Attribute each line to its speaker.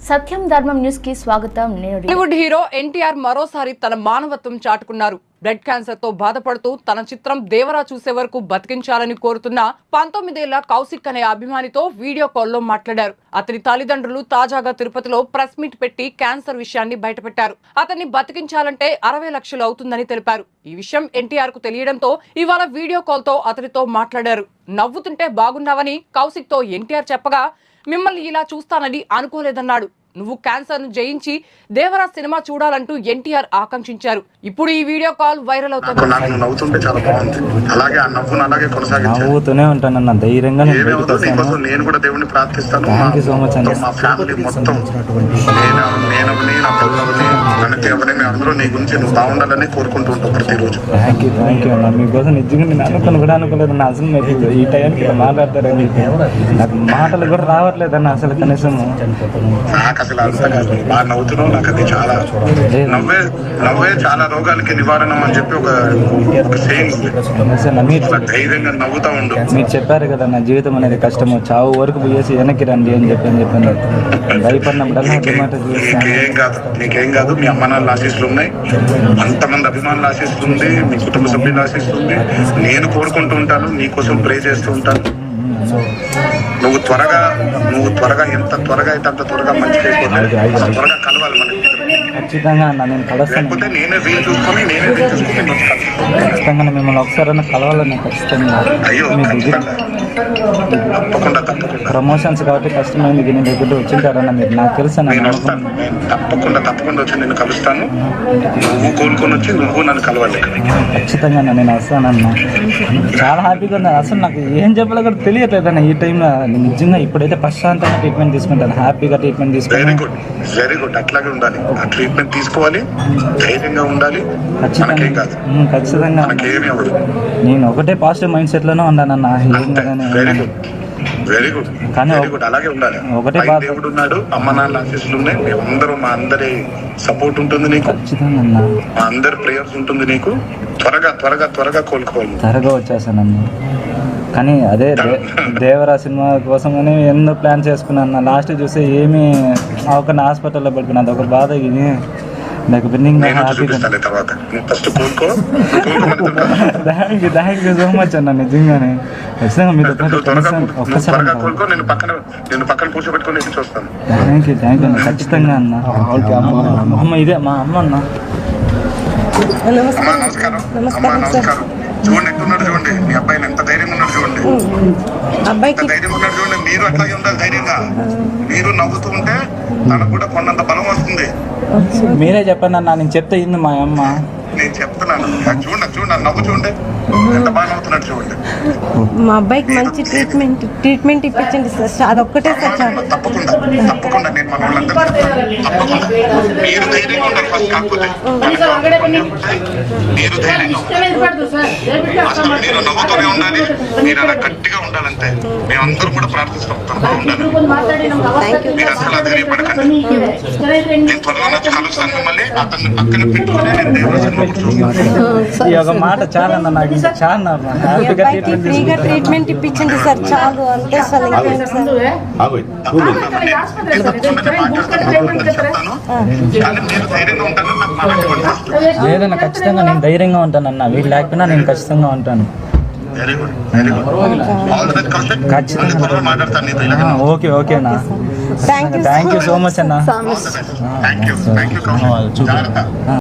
Speaker 1: సత్యం ధర్మం న్యూస్ కి స్వాగతం.
Speaker 2: బాలీవుడ్ హీరో ఎన్టీఆర్ మరోసారి తన మానవత్వం చాటుకున్నారు. బ్లడ్ క్యాన్సర్ తో బాధపడుతూ తన చిత్రం దేవరా చూసే వరకు బతికించాలని కోరుతున్న 19 ఏళ్ల కౌశిక్ అనే అభిమానితో వీడియో కాల్లో మాట్లాడారు. అతని తల్లిదండ్రులు తాజాగా తిరుపతిలో ప్రెస్ మీట్ పెట్టి క్యాన్సర్ విషయాన్ని బయటపెట్టారు. అతన్ని బతికించాలంటే 60 లక్షలు అవుతుందని తెలిపారు. ఈ విషయం ఎన్టీఆర్ కు తెలియడంతో ఇవాళ వీడియో కాల్ తో అతనితో మాట్లాడారు. నవ్వుతుంటే బాగున్నావని కౌశిక్ తో ఎన్టీఆర్ చెప్పగా, మిమ్మల్ని ఇలా చూస్తానని అనుకోలేదన్నాడు. నువ్వు క్యాన్సర్ ను జయించి దేవరా సినిమా చూడాలంటూ ఎన్టీఆర్ ఆకాంక్షించారు. ఇప్పుడు ఈ వీడియో కాల్ వైరల్ అవుతుంది.
Speaker 3: నవ్వుతుంటే చాలా బాగుంది. అలాగే ఆ నవ్వును అలాగే కొనసాగించాను.
Speaker 4: నవ్వుతూనే ఉంటానన్న ధైర్యంగా
Speaker 3: నేను కూడా దేవుడిని ప్రార్థిస్తాను.
Speaker 4: సో మచ్ అండి.
Speaker 3: మా ఫ్యామిలీ మొత్తం అందరూ నీ గురించి నువ్వు బాగుండాలని కోరుకుంటూ ఉంటావు ప్రతిరోజు.
Speaker 4: థ్యాంక్ యూ అన్న. మీకోసం నిజంగా నేను అనుకుని కూడా అనుకోలేదు అన్న. అసలు మీరు ఈ టైంకి మాట్లాడతారని నాకు మాటలు కూడా రావట్లేదన్న. అసలు కనీసం
Speaker 3: నాకు అసలు అర్థం కాదు. బాగా నవ్వుతున్నావు. నాకు అది చాలా నవ్వే చాలా రోగాలకి నివారణ అని చెప్పి ఒక సేయింగ్ ఉంది. ధైర్యంగా నవ్వుతా ఉండు.
Speaker 4: మీరు చెప్పారు కదా నా జీవితం అనేది కష్టము, చావు వరకు పోయేసి వెనక్కి రండి అని చెప్పాను. భయపడినప్పుడల్లా
Speaker 3: నీకేం కాదు. మీ అమ్మ నాన్న ఆశీస్సులు ఉన్నాయి, అంతమంది అభిమానుల ఆశీస్సులు ఉంది, మీ కుటుంబ సభ్యుల ఆశీస్సులు ఉంది. నేను కోరుకుంటూ ఉంటాను, నీకోసం ప్రే చేస్తూ ఉంటాను. నువ్వు త్వరగా ఎంత త్వరగా అయితే అంత త్వరగా మంచి త్వరగా కలవాలి మనకి.
Speaker 4: ఖచ్చితంగా అన్న నేను కలుస్తాను.
Speaker 3: నేనే వీలు చూసుకొని
Speaker 4: ఖచ్చితంగా మిమ్మల్ని ఒకసారి కలవాలని ఖచ్చితంగా.
Speaker 3: తప్పకుండా
Speaker 4: ప్రమోషన్స్ కాబట్టి కష్టమైంది. దీని దగ్గర వచ్చింటారన్న మీరు. నాకు తెలుసు
Speaker 3: తప్పకుండా వచ్చి నేను కలుస్తాను. నువ్వు కోరుకొని వచ్చి నువ్వు నన్ను కలవాలి.
Speaker 4: ఖచ్చితంగా నేను వస్తానన్నా. చాలా హ్యాపీగా ఉంది. అసలు నాకు ఏం చెప్పాలో కూడా తెలియట్లేదన్న ఈ టైంలో. నిజంగా ఇప్పుడైతే ప్రశాంతంగా ట్రీట్మెంట్ తీసుకుంటాను. హ్యాపీగా ట్రీట్మెంట్ తీసుకుంటాను.
Speaker 3: Very good. అట్లాగే ఉండాలి. ఆ ట్రీట్మెంట్ తీసుకోవాలి, ధైర్యంగా ఉండాలి.
Speaker 4: ఖచ్చితంగా నేను ఒకటే పాజిటివ్ మైండ్ సెట్ లోనే ఉన్నానన్న.
Speaker 3: Very good. అలాగే ఉండాలి.
Speaker 4: ఒకటే
Speaker 3: దేవుడు ఉన్నాడు, అమ్మ నాన్న ఆశీస్సులు ఉన్నాయి. మేమందరూ మా అందరి సపోర్ట్ ఉంటుంది నీకు.
Speaker 4: ఖచ్చితంగా
Speaker 3: మా అందరి ప్రేయర్స్ ఉంటుంది నీకు. త్వరగా కోలుకోవాలి.
Speaker 4: త్వరగా వచ్చేసానన్న. కానీ అదే దేవరా సినిమా కోసమని ఎన్నో ప్లాన్ చేసుకున్నాను. లాస్ట్ చూస్తే ఏమీ ఒక హాస్పిటల్లో పడుకున్నాను. అదొక బాధ. ఇది నాకు థ్యాంక్ యూ సో మచ్ అన్న. నిజంగానే ఖచ్చితంగా మీతో ఒక్కసారి థ్యాంక్ యూ అన్న. ఖచ్చితంగా అన్న. అమ్మ ఇదే మా అమ్మ అన్న.
Speaker 3: చూడండి ఎట్టున్నాడు, చూడండి మీ అబ్బాయిని ఎంత ధైర్యంగా ఉన్నాడు. చూడండి ధైర్యంగా ఉన్నాడు. చూడండి మీరు అట్లాగే ఉండాలి. ధైర్యంగా మీరు నవ్వుతూ ఉంటే తనకు కూడా కొన్నంత బలం వస్తుంది.
Speaker 4: మీరే చెప్పండి అన్న. నేను చెప్తే ఇంది మా అమ్మ.
Speaker 3: నేను చెప్తున్నాను. చూడండి నవ్వు చూడండి ఎంత బాగా నవ్వుతున్నాడు. చూడండి
Speaker 5: మా అబ్బాయికి మంచి ట్రీట్మెంట్ ఇప్పించండి సార్. అదొక్కటే సార్.
Speaker 3: తప్పకుండా నేను మన వాళ్ళందరూ మీరు ధైర్యంగా ఉండాలి. ఫస్ట్ కాకపోతే మీరు మీరు నవ్వుతూనే ఉండాలి. మీరు అలా గట్టిగా ఉండాలంటే మేమందరూ కూడా ప్రార్థిస్తాం. మీరు అసలు ధైర్యపడకండి. నేను త్వరలో వచ్చి కలుస్తాను మిమ్మల్ని. అతన్ని పక్కన పెట్టుకుని నేను దేవరా
Speaker 4: ఈ ఒక మాట చాలా నాకు చాలా
Speaker 5: ఫ్రీగా ట్రీట్మెంట్ ఇప్పించండి సార్. చాలు అంతే సార్.
Speaker 4: లేదన్నా ఖచ్చితంగా నేను ధైర్యంగా ఉంటానన్న. వీళ్ళు లేకపోయినా నేను ఖచ్చితంగా ఉంటాను. ఓకే అన్న. థ్యాంక్ యూ సో మచ్ అన్న.